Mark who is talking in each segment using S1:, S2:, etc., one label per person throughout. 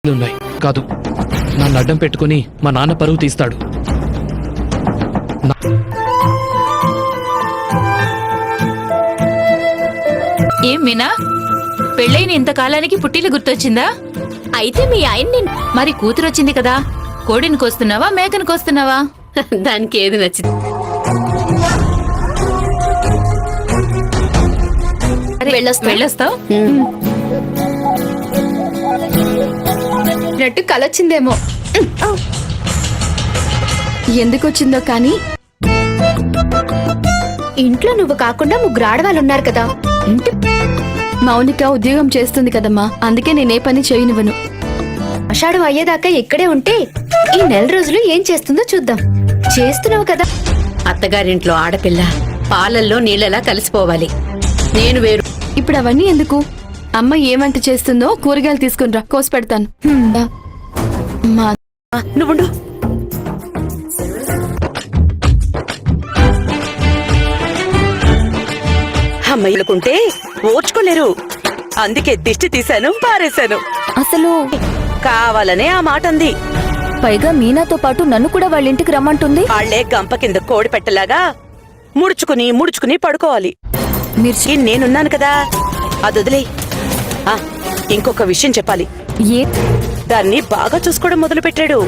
S1: ఉన్నాయి కాదు, నన్ను అడ్డం పెట్టుకుని మా నాన్న పరువు తీస్తాడు.
S2: ఏం మీనా, పెళ్ళైన ఇంతకాలానికి పుట్టిల్లు గుర్తొచ్చిందా? అయితే మీ ఆయన్ని మరి కూతురొచ్చింది కదా, కోడిని కోస్తున్నావా మేకను కోస్తున్నావా?
S3: దానికి ఏది నచ్చింది.
S2: వెళ్ళొస్తావు?
S4: కలొచ్చిందేమో, ఎందుకొచ్చిందో కానీ ఇంట్లో నువ్వు కాకుండా ముగ్గురు ఆడవాళ్ళు ఉన్నారు కదా. ఇంటి మౌనిక ఉద్యోగం చేస్తుంది కదమ్మా, అందుకే నేనే పని చేయనివ్వను. ఆషాఢం అయ్యేదాకా ఇక్కడే ఉంటే ఈ నెల రోజులు ఏం చేస్తుందో చూద్దాం. చేస్తున్నావు కదా.
S3: అత్తగారింట్లో ఆడపిల్ల పాలల్లో నీళ్ళలా కలిసిపోవాలి. నేను వేరు.
S4: ఇప్పుడు అవన్నీ ఎందుకు? అమ్మ ఏమంట చేస్తుందో కూరగాయలు తీసుకునిరా, కోసి పెడతాను.
S3: నువ్వుండు. అమ్మాయిలుకుంటే ఓర్చుకోలేరు, అందుకే దిష్టి తీశాను, పారేశాను.
S4: అసలు
S3: కావాలనే ఆ మాట అంది.
S4: పైగా మీనాతో పాటు నన్ను కూడా వాళ్ళ ఇంటికి రమ్మంటుంది.
S3: వాళ్లే గంప కింద కోడి పెట్టలాగా ముడుచుకుని ముడుచుకుని పడుకోవాలి. నేనున్నాను కదా, అదొదిలే. ఇంకొక విషయం చెప్పాలి. దాన్ని బాగా చూసుకోవడం మొదలు పెట్టాడు.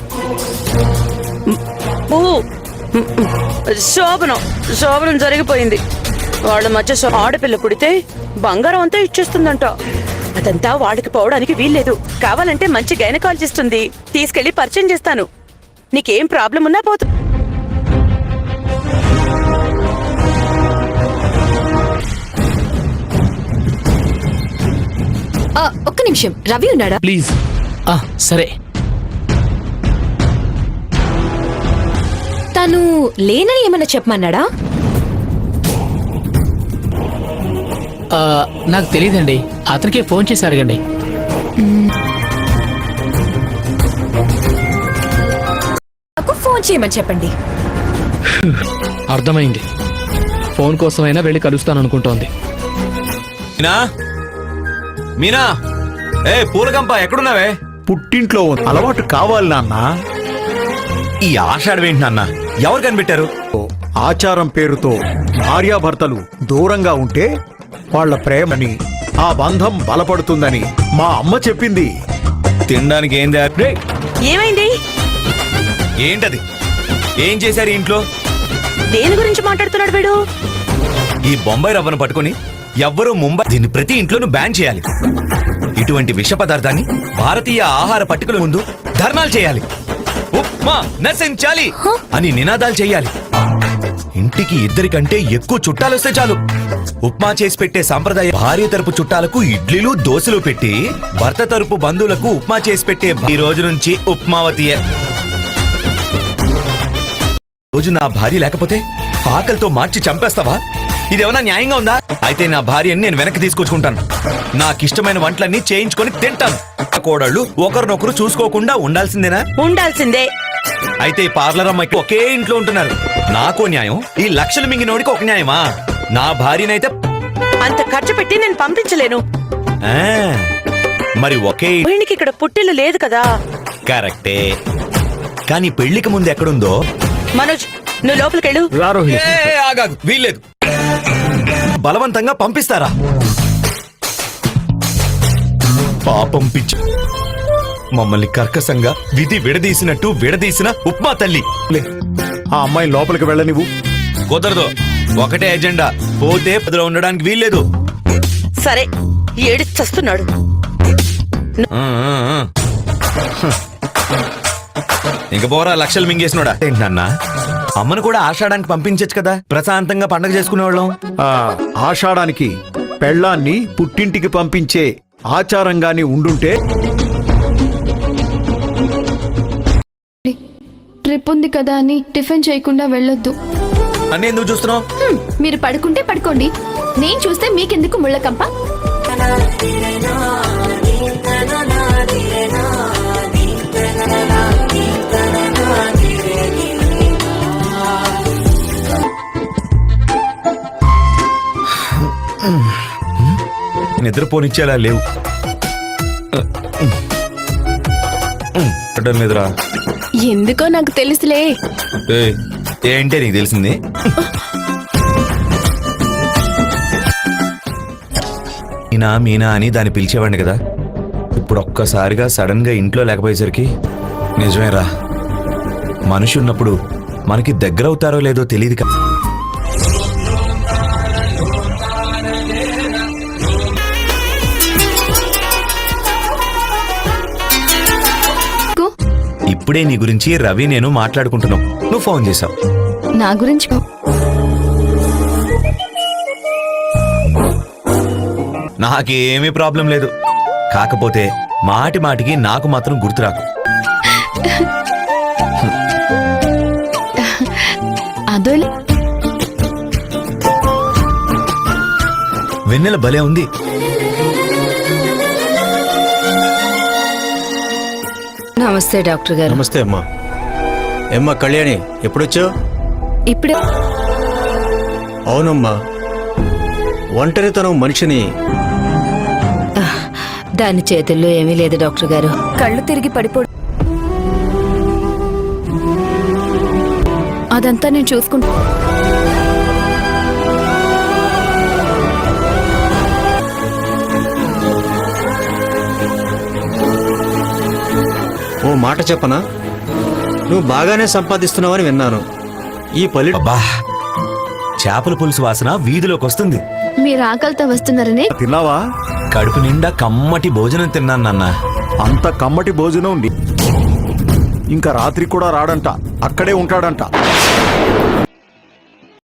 S3: శోభనం జరిగిపోయింది. వాళ్ళ మధ్య ఆడపిల్ల పుడితే బంగారం అంతా ఇచ్చేస్తుందంట. అదంతా వాడికి పోవడానికి వీల్లేదు. కావాలంటే మంచి గైనకాలజిస్ట్ ఉంది, తీసుకెళ్లి పరిచయం చేస్తాను. నీకేం ప్రాబ్లం ఉన్నా పోతు.
S4: ఒక్క నిమిషం, రవి ఉన్నాడా?
S1: ప్లీజ్. సరే.
S4: తను లేనని ఏమన్నా చెప్పమన్నాడా?
S1: నాకు తెలియదండి, అతనికే ఫోన్ చేసి అడగండి.
S4: నాకు ఫోన్ చేయమని చెప్పండి.
S1: అర్థమైంది, ఫోన్ కోసమైనా వెళ్ళి కలుస్తాననుకుంటోంది.
S5: మీనా, పూలగంప ఎక్కడున్నావే?
S6: పుట్టింట్లో అలవాటు కావాలి నాన్న.
S5: ఈ ఆషాఢం ఏంటి నాన్న, ఎవరు కనిపెట్టారు?
S6: ఆచారం పేరుతో భార్యాభర్తలు దూరంగా ఉంటే వాళ్ల ప్రేమని, ఆ బంధం బలపడుతుందని మా అమ్మ చెప్పింది.
S5: తినడానికి ఏం
S3: ఏమైంది?
S5: ఏంటది? ఏం చేశారు ఇంట్లో?
S3: దేని గురించి మాట్లాడుతున్నాడు వీడు?
S5: ఈ బొంబాయి రవ్వను పట్టుకుని ఎవ్వరూ ముంబై దీన్ని ప్రతి ఇంట్లోనూ బ్యాన్ చేయాలి. ఇటువంటి విష పదార్థాన్ని భారతీయ ఆహార పట్టికల ముందు ధర్నాలు చేయాలి. ఉప్మా నశించాలి అని నినాదాలు చేయాలి. ఇంటికి ఇద్దరికంటే ఎక్కువ చుట్టాలొస్తే చాలు ఉప్మా చేసి పెట్టే సాంప్రదాయ. భార్య తరపు చుట్టాలకు ఇడ్లీలు దోశలు పెట్టి భర్త తరపు బంధువులకు ఉప్మా చేసి పెట్టే ఈ రోజు నుంచి ఉప్మావతియే. రోజు నా భార్య లేకపోతే ఆకలితో మార్చి చంపేస్తావా? ఇదేమన్నా న్యాయంగా ఉందా? అయితే నా భార్యని నేను వెనక్కి తీసుకొచ్చుకుంటాను. నాకిష్టమైన వంటలన్నీ చేయించుకొని తింటాను. కోడళ్ళు ఒకరినొకరు చూసుకోకుండా ఉండాల్సిందేనా?
S3: ఉండాల్సిందే.
S5: అయితే పార్లర్ అమ్మాయికి ఒకే ఇంట్లో ఉంటున్నారు. నాకో న్యాయం, ఈ లక్షలు మింగినోడికి ఒక న్యాయమా? నా భార్యనైతే
S3: అంత ఖర్చు పెట్టి నేను పంపించలేను.
S5: మరి ఒకే
S3: వీడికి ఇక్కడ పుట్టిల్లు లేదు కదా.
S5: కరెక్టే, కానీ పెళ్లికి ముందు ఎక్కడుందో.
S3: మనోజ్, నువ్వు లోపలికెళ్ళు.
S5: ఆగాగు, వీల్లేదు. బలవంతంగా పంపిస్తారా? పాపం పిచ్చి, మమ్మల్ని కర్కశంగా విధి విడదీసినట్టు విడదీసిన ఉప్మా తల్లి.
S6: ఆ అమ్మాయి లోపలికి వెళ్ళనివ్వు.
S5: కుదరదు, ఒకటే ఎజెండా, పోతే పదిలో ఉండడానికి వీల్లేదు.
S3: సరే, ఏడి చస్తున్నాడు.
S5: ఇంక పోరా, లక్షలు మింగేసినోడా. ఏంటన్నా, అమ్మను కూడా ఆషాఢానికి పంపించచ్చు కదా, ప్రశాంతంగా పండగ చేసుకునేవాళ్ళం.
S6: ఆషాఢానికి పెళ్ళాన్ని పుట్టింటికి పంపించే ఆచారంగాని ఉండుంటే.
S4: ట్రిప్ ఉంది కదా అని టిఫిన్ చేయకుండా వెళ్ళొద్దు.
S5: అన్నీ ఎందుకు చూస్తున్నావు?
S4: మీరు పడుకుంటే పడుకోండి, నేను చూస్తే మీకెందుకు ముళ్ళకంప.
S5: నిద్రపోనిచ్చేలా లేవు. మాట్లాడడం లేదురా.
S4: ఎందుకో నాకు తెలుసులే.
S5: ఏయ్, ఏంటే నీకు తెలిసింది? మీనా అని దాన్ని పిలిచేవాడిని కదా. ఇప్పుడు ఒక్కసారిగా సడన్ గా ఇంట్లో లేకపోయేసరికి నిజమేరా, మనిషి ఉన్నప్పుడు మనకి దగ్గర అవుతారో లేదో తెలియదు కదా. ఇప్పుడే నీ గురించి రవి నేను మాట్లాడుకుంటున్నాం, నువ్వు ఫోన్ చేసావు.
S4: నా గురించి
S5: నాకేమీ ప్రాబ్లం లేదు, కాకపోతే మాటి మాటికి నాకు మాత్రం గుర్తురాకు.
S4: అదో
S5: వెన్నెల భలే ఉంది.
S2: నమస్తే డాక్టర్ గారు.
S7: నమస్తే అమ్మా. ఏమ్మా కళ్యాణి, ఎప్పుడొచ్చావు?
S4: ఇప్పుడు
S7: అవునమ్మా, ఒంటరితనం మనిషిని.
S2: దాని చేతుల్లో ఏమీ లేదు డాక్టర్ గారు.
S4: కళ్ళు తిరిగి పడిపో. అదంతా నేను చూసుకుంటా.
S7: ఓ మాట చెప్పనా, నువ్వు బాగానే సంపాదిస్తున్నావని విన్నాను. ఈ పల్లె
S5: అబ్బా, చేపల పులుసు వాసన వీధిలోకి వస్తుంది.
S4: మీరు ఆకలితో వస్తున్నారనే.
S6: తిన్నావా?
S5: కడుపు నిండా కమ్మటి భోజనం తిన్నాను నాన్న.
S6: అంత కమ్మటి భోజనం ఇంకా రాత్రి కూడా రాడంట, అక్కడే ఉంటాడంట.